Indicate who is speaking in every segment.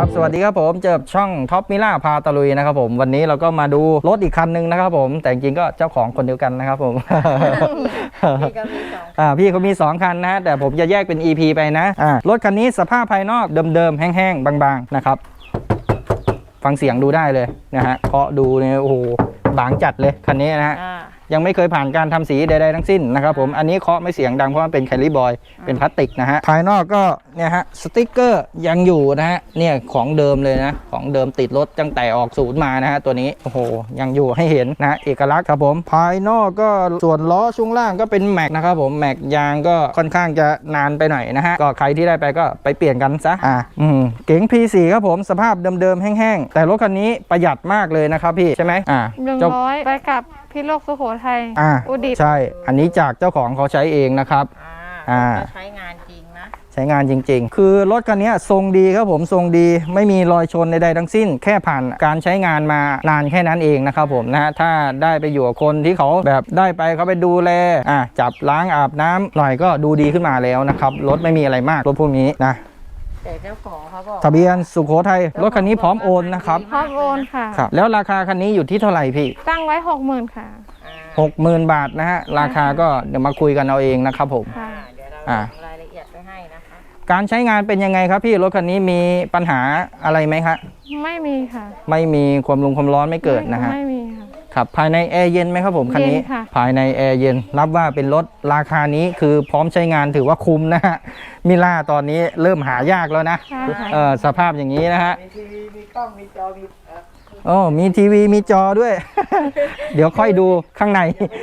Speaker 1: ครับสวัสดีครับผมเจอช่องท็อปมิล่าพาตะลุยนะครับผมวันนี้เราก็มาดูรถอีกคันนึงนะครับผมแต่จริงๆก็เจ้าของคนเดียวกันนะครับผม
Speaker 2: พี่ก็มี2
Speaker 1: พี่เขามี2คันนะแต่ผมจะแยกเป็น EP ไปนะรถคันนี้สภาพภายนอกเดิมๆแห้งๆบางๆนะครับฟังเสียงดูได้เลยนะฮะเคาะดูเนี่ยโอ้โหบางจัดเลยคันนี้นะฮะยังไม่เคยผ่านการทำสีใดๆทั้งสิ้นนะครับผมอันนี้เคาะไม่เสียงดังเพราะมันเป็นแคลิบอยเป็นพลาสติกนะฮะภายนอกก็เนี่ยฮะสติ๊กเกอร์ยังอยู่นะฮะเนี่ยของเดิมเลยนะของเดิมติดรถตั้งแต่ออกศูนย์มานะฮะตัวนี้โอ้โหยังอยู่ให้เห็นนะเอกลักษณ์ครับผมภายนอกก็ส่วนล้อช่วงล่างก็เป็นแม็กนะครับผมแม็กยางก็ค่อนข้างจะนานไปหน่อยนะฮะก็ใครที่ได้ไปก็ไปเปลี่ยนกันซะเก๋ง P4 ครับผมสภาพเดิมๆแห้งๆแต่รถคันนี้ประหยัดมากเลยนะครับพี่ใช่ไหม
Speaker 3: 100ไปกับพี่โลกสุโขทัยอุดิต
Speaker 1: ใช่อันนี้จากเจ้าของเขาใช้เองนะครับ
Speaker 2: ใช้งานจริงนะ
Speaker 1: ใช้งานจริงๆคือรถคันนี้ทรงดีครับผมทรงดีไม่มีรอยชนใดๆทั้งสิ้นแค่ผ่านการใช้งานมานานแค่นั้นเองนะครับผมนะฮะถ้าได้ไปอยู่กับคนที่เขาแบบได้ไปเขาไปดูแลจับล้างอาบน้ำหน่อยก็ดูดีขึ้นมาแล้วนะครับรถไม่มีอะไรมากรถพวกนี้นะ
Speaker 2: แต่เจ้าของเขาบอก
Speaker 1: ทะเบียนสุโขทัยรถคันนี้พร้อมโอนนะครับ
Speaker 3: พร้อมโอนค่ะ
Speaker 1: ครับแล้วราคาคันนี้อยู่ที่เท่าไหร่พี่
Speaker 3: ตั้งไว้ 60,000 ค่ะ
Speaker 1: 60,000 บาทนะฮะราคาก็เดี๋ยวมาคุยกันเอาเองนะครับผม
Speaker 2: เดี๋ยวเราลงรายละเอียดไปให้นะคะ
Speaker 1: การใช้งานเป็นยังไงครับพี่รถคันนี้มีปัญหาอะไรไหมครับ
Speaker 3: ไม่มีค่ะ
Speaker 1: ไม่มีความร้อนไม่เกิดนะฮะ
Speaker 3: ไม่มีค่ะ
Speaker 1: ครับภายในแอร์เย็นไหมครับผมคันนี้ภายในแอร์เย็นรับว่าเป็นรถราคานี้คือพร้อมใช้งานถือว่าคุ้มนะฮะมิล่าตอนนี้เริ่มหายากแล้วนะสภาพอย่างนี้นะฮะ
Speaker 2: มีทีวีมีกล้องมีจอมี
Speaker 1: มีทีวีมีจอด้วย เดี๋ยวค่อยดูข้างใน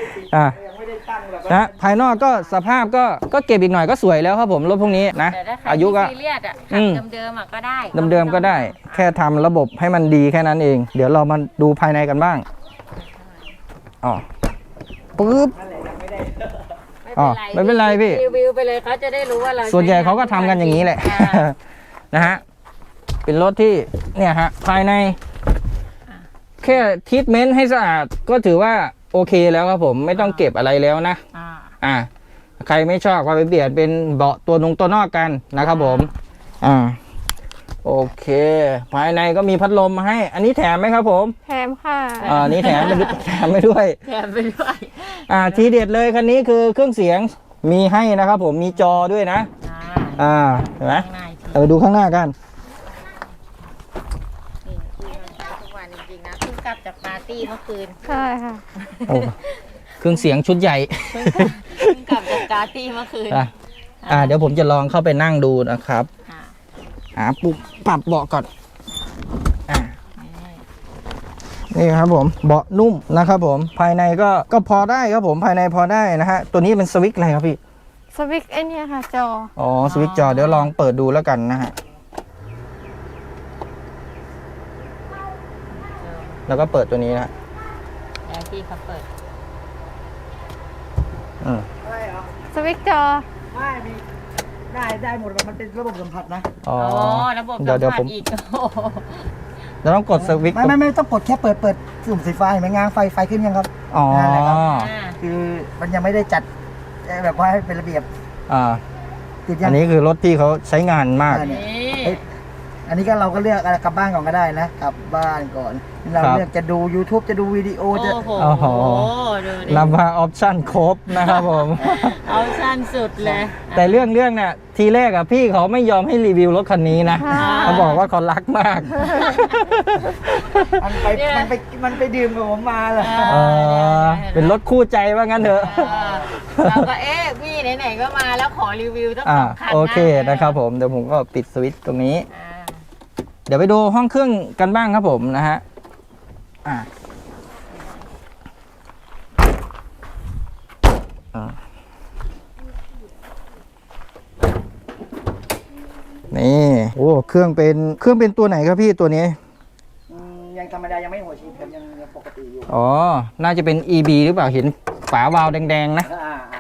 Speaker 1: นะภายนอกก็สภาพก็เก็บอีกหน่อยก็สวยแล้วครับผมรถพวกนี้นะ
Speaker 2: อายุก็เดิมก็ได้
Speaker 1: เดิมก็ได้แค่ทำระบบให้มันดีแค่นั้นเองเดี๋ยวเรามาดูภายในกันบ้างปึ๊บไม่เป็นไรพี่
Speaker 2: รีวิวไปเลยเขาจะได้รู้ว่าเรา
Speaker 1: ส่วนใหญ่เขาก็ทำกันอย่างนี้แหละนะฮะเป็นรถที่เนี่ยฮะภายในแค่ทรีทเมนต์ให้สะอาดก็ถือว่าโอเคแล้วครับผมไม่ต้องเก็บอะไรแล้วนะใครไม่ชอบก็ไปเปลี่ยนเป็นเบาะตัวนอกกันนะครับผมโอเคภายในก็มีพัดลมมาให้อันนี้แถมไหมครับผม
Speaker 3: แถมค่ะ
Speaker 1: นี่แถมไปด้วยทีเด็ดเลยคันนี้คือเครื่องเสียงมีให้นะครับผมมีจอด้วยนะเห็นไหมดูข้างหน้ากัน
Speaker 2: ทุกวันจริงๆนะเพิ่งกลับจากปาร์ตี้เมื่อคืน
Speaker 3: ใช่ค่ะ
Speaker 1: เครื่องเสียงชุดใหญ่
Speaker 2: เพิ่งกลับจากปาร์ตี้เมื่อคืน
Speaker 1: เดี๋ยวผมจะลองเข้าไปนั่งดูนะครับปุ๊บปรับเบาะก่อนนี่ครับผมเบาะนุ่มนะครับผมภายในก็พอได้ครับผมภายในพอได้นะฮะตัวนี้เป็นสวิตช์อะไรครับพี่
Speaker 3: สวิตช์ไอเนี่ยค่ะจอ
Speaker 1: สวิตช์จอเดี๋ยวลองเปิดดูแล้วกันนะฮะแล้วก็เปิดตัวนี้นะ
Speaker 2: ที่เขาเปิด
Speaker 3: สวิตช์จอ
Speaker 2: ไม่มีได้หมดมันเป็นระบบสัมผัสนะระบบ
Speaker 1: เดี๋ยวผม
Speaker 2: อีก
Speaker 1: เราต้องกดสวิตช์
Speaker 4: ไม่ต้องกดแค่เปิดสุ่มสีไฟไหมง้างไฟขึ้นยังครับคือมันยังไม่ได้จัดแบบว่าให้เป็นระเบียบ
Speaker 1: อันนี้คือรถที่เขาใช้งานมาก
Speaker 4: อันนี้ก็เราก็เลือกกลับบ้านก่อนก็ได้นะกลับบ้านก่อนเราเลือกจะดู YouTube จะดูวิดีโอจะ
Speaker 1: รับมาออปชั่นครบนะครับผม
Speaker 2: ออปชั่นสุดเลย
Speaker 1: แต่เรื่องเนี่ยทีแรกพี่เขาไม่ยอมให้รีวิวรถคันนี้นะเขาบอกว่าเขารักมาก
Speaker 4: มันไปดื่มกับผมมาเหรอ
Speaker 1: เป็นรถคู่ใจว่างั้นเถอะ
Speaker 2: เราก็พี่ไหนๆก็มาแล้วขอรีวิวต้องคัน
Speaker 1: โอเคนะครับผมเดี๋ยวผมก็ปิดสวิตช์ตรงนี้เดี๋ยวไปดูห้องเครื่องกันบ้างครับผมนะฮะนี่เครื่องเป็นตัวไหนครับพี่ตัวนี้
Speaker 4: ยังธรรมดายังไม่หัวฉีดครับยังปกติอยู่
Speaker 1: น่าจะเป็น EB หรือเปล่าเห็นฝาวาล์วแดงๆนะ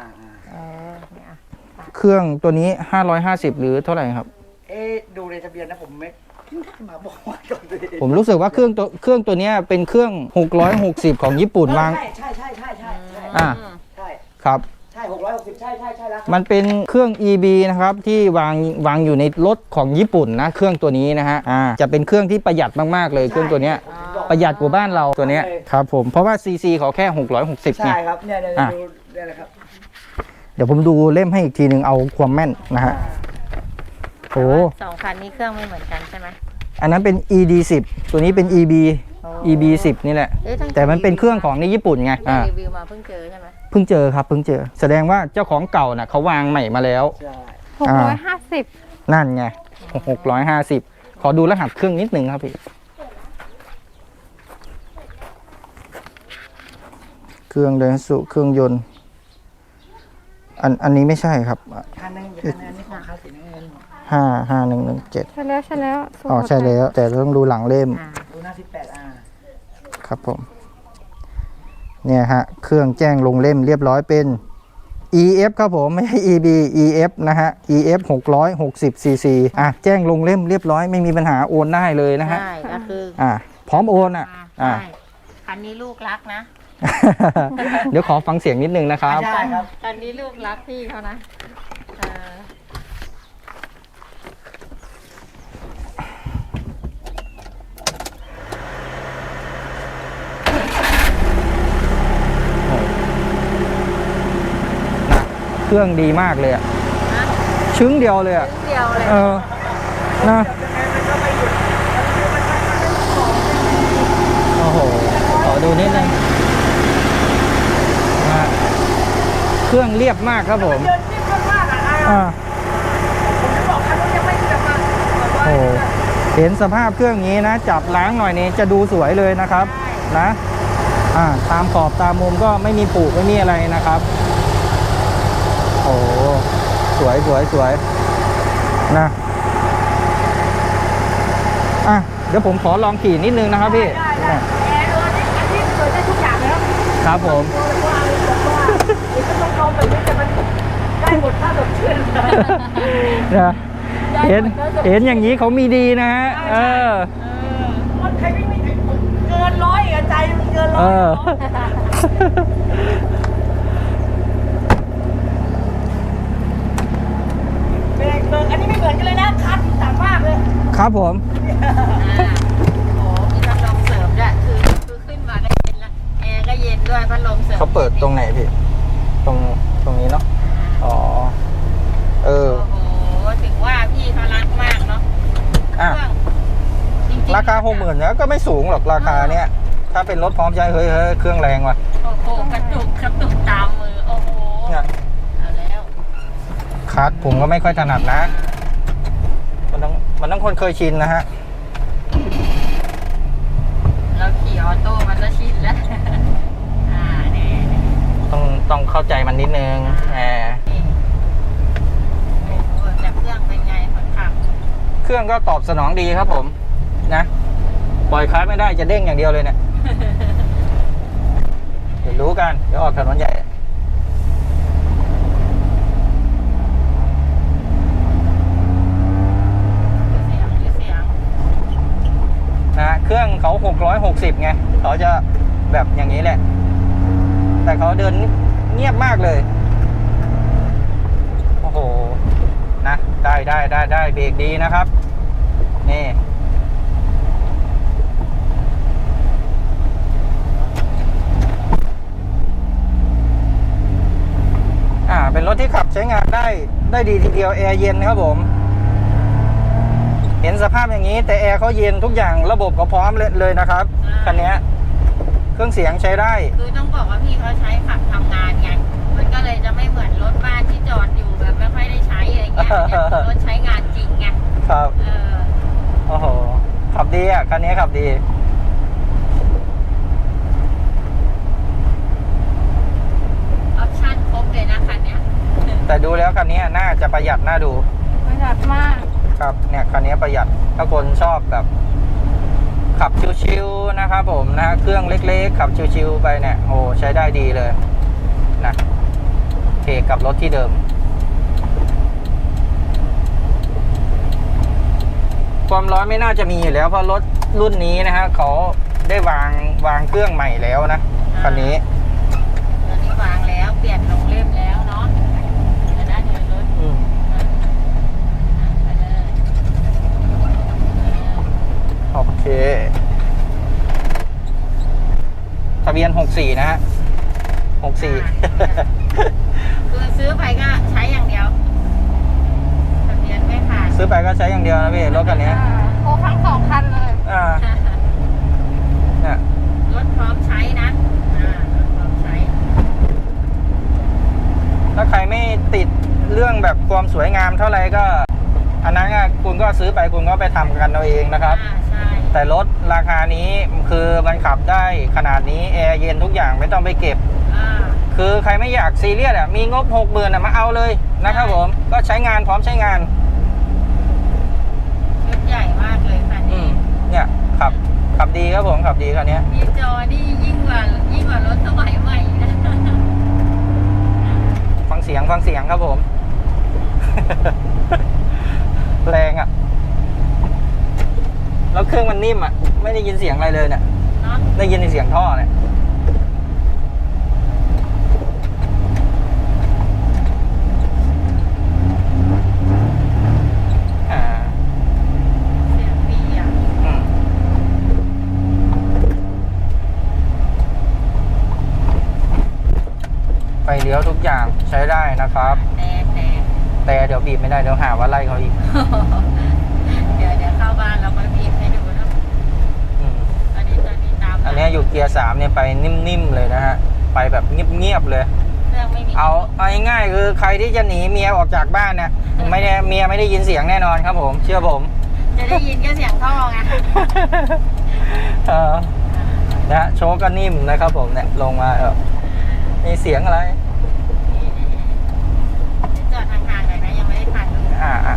Speaker 1: เครื่องตัวนี้550หรือเท่าไหร่ครับ
Speaker 4: ดูในทะเบียนนะผมไม่มาบอก
Speaker 1: ผมรู้สึกว่าเครื่องตัวนี้เป็นเครื่อง660ของญี่ปุ่นวาง
Speaker 4: ใช่
Speaker 1: ครับ
Speaker 4: ใช่
Speaker 2: 660ใช่แล้ว
Speaker 1: มันเป็นเครื่อง EB นะครับที่วางอยู่ในรถของญี่ปุ่นนะเครื่องตัวนี้นะฮะจะเป็นเครื่องที่ประหยัดมากๆเลยเครื่องตัวเนี้ยประหยัดกว่าบ้านเราตัวเนี้ยครับผมเพราะว่า CC เขาแค่660ไง
Speaker 2: ใช่ครับเนี่ยดูเนี่ยแหละครับ
Speaker 1: เดี๋ยวผมดูเล่มให้อีกทีหนึ่งเอาความแม่นนะฮะโอ้
Speaker 5: สองคันนี้เครื่องไม่เหมือนกันใช่ไหม
Speaker 1: อันนั้นเป็น ED10 ตัวนี้เป็น EB10 นี่แหละ
Speaker 5: เอ๊ะตั้ง
Speaker 1: แต่มันเป็นเครื่องของในญี่ปุ่นไง
Speaker 5: ตั้งแต่รีวิวมาเพิ่งเจอใช่ไหม
Speaker 1: เพิ่งเจอครับเพิ่งเจอ แสดงว่าเจ้าของเก่าน่ะเขาวางใหม่มาแล้ว
Speaker 2: ใช่
Speaker 3: 650
Speaker 1: นั่นไง650 ขอดูรหัสเครื่องนิดนึงครับพี่ เครื่องเดนสุเครื่องยนต์ อันนี้ไม่ใช่ครับ
Speaker 2: คันนึงอันนี้ของคาสีน้ำเงิน
Speaker 1: 5117
Speaker 3: ใช่แล้วสุโขทัย
Speaker 1: อ๋อใช่แล้ว แต่ต้องดูหลังเล่ม
Speaker 2: ดูหน้า18
Speaker 1: ครับผม เนี่ยฮะ เครื่องแจ้งลงเล่มเรียบร้อยเป็น EF ครับผม ไม่ใช่ EB EF นะฮะ EF 660 cc แจ้งลงเล่มเรียบร้อยไม่มีปัญหาโอนได้เลยนะฮะ
Speaker 5: ใช่ก็คือ
Speaker 1: พร้อมโอน
Speaker 5: ใช่คันนี้ลูกรักนะ
Speaker 1: เดี๋ยวขอฟังเสียงนิดนึงนะครับ
Speaker 2: ใช่ครับ
Speaker 5: คันนี้ลูกรักพี่เขานะ
Speaker 1: เครื่องดีมากเลยอะชึ้งเดียวเลยอะ
Speaker 5: เดียวเลย
Speaker 1: นะโอ้โหขอดูนิดนึงนะเครื่องเรียบมากครับผม
Speaker 2: เดินนิ่มมากอ่ะผมจะบอกคันนู้นยังไม่แบบว่า
Speaker 1: โอ้เห็นสภาพเครื่องนี้นะ จับล้างหน่อยนี้จะดูสวยเลยนะครับนะตามขอบตามมุมก็ไม่มีปุไม่มีอะไรนะครับโอ้สวยนะเดี๋ยวผมขอลองขี่นิดนึงนะครับพี่
Speaker 2: ได้แอร์อันนี้เปิดได้ทุกอย่างเลยครับ
Speaker 1: ครับผม
Speaker 2: ว่ามันต้องลองแบบนี้แต่มันได้หมดถ้าสดชื่น
Speaker 1: นะเห็นอย่างนี้เขามีดีนะฮะ
Speaker 2: มันใครไม่เกินร้อยอ่ะใจมันเกินร้อยเบรกอันนี้ไม่เหมือนกันเลยนะคัดต่างมากเลย
Speaker 1: ครับผม
Speaker 5: โอ้มีพัดลมเสริมด้วยคือขึ้นมาก็เย็นละแอร์ก็เย็นด้วยพัดลมเสริม
Speaker 1: เขาเปิดตรงไหนพี่ตรงนี้เนาะอ๋อ
Speaker 5: โอ้โหถึงว่าพี่เขารักมากเนาะ
Speaker 1: ราคา60,000แล้วก็ไม่สูงหรอกราคาเนี้ยถ้าเป็นรถพร้อมใช้เฮ้ยเครื่องแรงว่ะ
Speaker 5: โอ้โหกระตุกตามมือโอ้โห
Speaker 1: เนี่ย
Speaker 5: เอาแล้ว
Speaker 1: คัสผมก็ไม่ค่อยถนัดนะมันต้องคนเคยชินนะฮะ
Speaker 5: เราขี่ออโต้มันก็ชินแล้วนี่
Speaker 1: ต้องเข้าใจมันนิดนึง
Speaker 5: โอ้แต่เครื่องเป็นไงคนขับ
Speaker 1: เครื่องก็ตอบสนองดีครับผมนะปล่อยคลัสไม่ได้จะเด้งอย่างเดียวเลยเนี่ย เดี๋ยวรู้กันเดี๋ยวออกถนนใหญ่
Speaker 5: เสียง
Speaker 1: นะเครื่องเขา660ไงเขาจะแบบอย่างนี้แหละแต่เขาเดินเงียบมากเลยโอ้โหนะได้เบรกดีนะครับนี่เป็นรถที่ขับใช้งานได้ดีทีเดียวแอร์เย็นนะครับผมเห็นสภาพอย่างนี้แต่แอร์เขาเย็นทุกอย่างระบบก็พร้อมเลยนะครับคันนี้เครื่องเสียงใช้ได้
Speaker 5: คือต้องบอกว่าพี่เขาใช้ขับทำงานไงมันก็เลยจะไม่เหมือนรถบ้านที่จอดอยู่แบบไม่ค่อยได้ใช้อะไรเงี้ยรถใช้งานจริงไง
Speaker 1: ครับโอ้โหขับดีอ่ะคันนี้ขับดี
Speaker 5: ออปชั่นครบเลยนะคันนี้
Speaker 1: แต่ดูแล้วคันนี้น่าจะประหยัดน่าดู
Speaker 3: ประหยัดมาก
Speaker 1: ครับเนี่ยคันนี้ประหยัดถ้าคนชอบแบบขับชิวๆนะครับผมนะเครื่องเล็กๆขับชิวๆไปเนี่ยโอ้ใช้ได้ดีเลยนะเทกับรถที่เดิมความร้อนไม่น่าจะมีอยู่แล้วเพราะรถรุ่นนี้นะฮะเขาได้วางเครื่องใหม่แล้วนะคันนี้
Speaker 5: ตอนนี้วางแล้วเปลี่ยนลงเล่มแล้วเนาะคือซื้อไปก็ใช้อย่างเดียวทะเบียนไม่ขาด
Speaker 1: ซื้อไปก็ใช้อย่างเดียวนะพี่รถคันนี้
Speaker 3: โอ้ทั้ง2 คันเลย
Speaker 1: เนี่ย
Speaker 5: รถพร้อมใช้นะรถพร้อมใช้
Speaker 1: ถ้าใครไม่ติดเรื่องแบบความสวยงามเท่าไหร่ก็ อันนั้นคุณก็ซื้อไปคุณก็ไปทำกันเอาเองนะครับ
Speaker 5: ใช่
Speaker 1: แต่รถราคานี้คือมันขับได้ขนาดนี้แอร์เย็นทุกอย่างไม่ต้องไปเก็บ คือใครไม่อยากซีเรียสมีงบ60,000มาเอาเลยนะครับผมก็ใช้งานพร้อมใช้งาน
Speaker 5: ชุดใหญ่มากเลยคันนี้
Speaker 1: เนี่ยขับดีครับผมขับดีคันนี้
Speaker 5: มีจอนี่ยิ่งกว่ารถสมัยใหม่นะ
Speaker 1: ฟังเสียงครับผม แรงอ่ะแล้วเครื่องมันนิ่มอ่ะไม่ได้ยินเสียงอะไรเลยเนี่ย
Speaker 5: เนาะ
Speaker 1: ได้ยินในเสียงท่อเนี่ย
Speaker 5: เสียงดีอ่ะ
Speaker 1: ไฟเลี้ยวทุกอย่างใช้ได้นะครับ แต่เดี๋ยวบีบไม่ได้เดี๋ยวหาว่าไล่เขาอีก
Speaker 5: เดี๋ยวเข้าบ้านเราไปบีบให้ดูนะอันนี้ตาม
Speaker 1: อันนี้อยู่เกียร์3เนี่ยไปนิ่มๆเลยนะฮะไปแบบเงียบๆเลย
Speaker 5: เครื่องไม่มี
Speaker 1: เอาง่ายๆคือใครที่จะหนีเมียออกจากบ้านเนี่ยไม่ได้เมียไม่ได้ยินเสียงแน่นอนครับผมเชื่อผม
Speaker 5: จะได้ยินแค่เสียงท่อไง
Speaker 1: นะโชว์ก็นิ่มนะครับผมเนี่ยลงมามีเสียงอะไร
Speaker 5: จอดห่างๆหน่อยนะยังไม่ได้ถ่ายเลย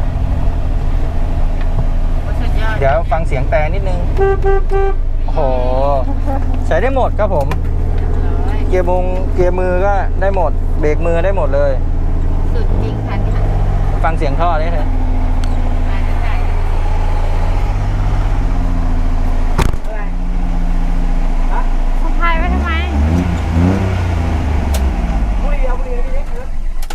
Speaker 5: สุดยอด
Speaker 1: เดี๋ยวฟังเสียงแต่นิดนึงโอ้โหใช้ได้หมดครับผมเกียร์มือก็ได้หมดเบรกมือได้หมดเลย
Speaker 5: สุดจริงคันนี้
Speaker 1: ฟังเสียงท่อได้เลย
Speaker 3: คุณพายไว้ทำไม
Speaker 4: บุรีพี่เล็กครับ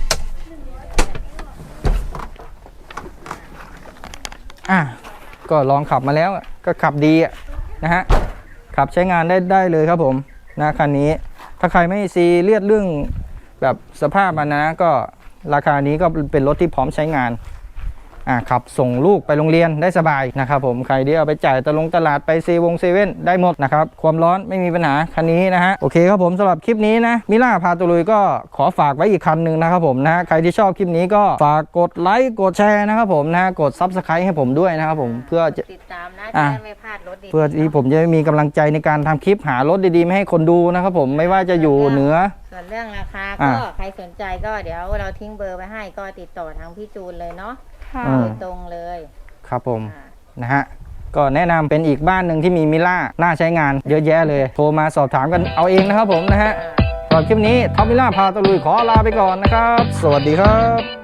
Speaker 1: ก็ลองขับมาแล้วก็ขับดีนะฮะขับใช้งานได้เลยครับผมนะคันนี้ถ้าใครไม่ซีเรียสเรื่องแบบสภาพมันนะก็ราคานี้ก็เป็นรถที่พร้อมใช้งานขับส่งลูกไปโรงเรียนได้สบายนะครับผมใครที่เอาไปจ่ายตลาดไปเซเว่นได้หมดนะครับความร้อนไม่มีปัญหาคันนี้นะฮะโอเคครับผมสำหรับคลิปนี้นะมิล่าพาตุลุยก็ขอฝากไว้อีกคันหนึ่งนะครับผมนะใครที่ชอบคลิปนี้ก็ฝากกดไลค์กดแชร์นะครับผมนะกด Subscribe ให้ผมด้วยนะครับผมเพื่อจะ
Speaker 5: ติดตามนะจะได้ไม่พลาดรถดี
Speaker 1: เพื่อที่ผมจะมีกำลังใจในการทำคลิปหารถดีๆมาให้คนดูนะครับผมไม่ว่าจะอยู่เหนือ
Speaker 5: ส่วนเรื่องราคาก็ใครสนใจก็เดี๋ยวเราทิ้งเบอร์ไว้ให้ก็ติดต่อทางพี่จูนเลยเนาะ
Speaker 3: ค่ะ
Speaker 5: โดยตรงเลย
Speaker 1: ครับผมนะฮะก็แนะนำเป็นอีกบ้านหนึ่งที่มีมิล่าน่าใช้งานเยอะแยะเลยโทรมาสอบถามกันเอาเองนะครับผมนะฮะสำหรับคลิปนี้ท็อปมิล่าพาตะลุยขอลาไปก่อนนะครับสวัสดีครับ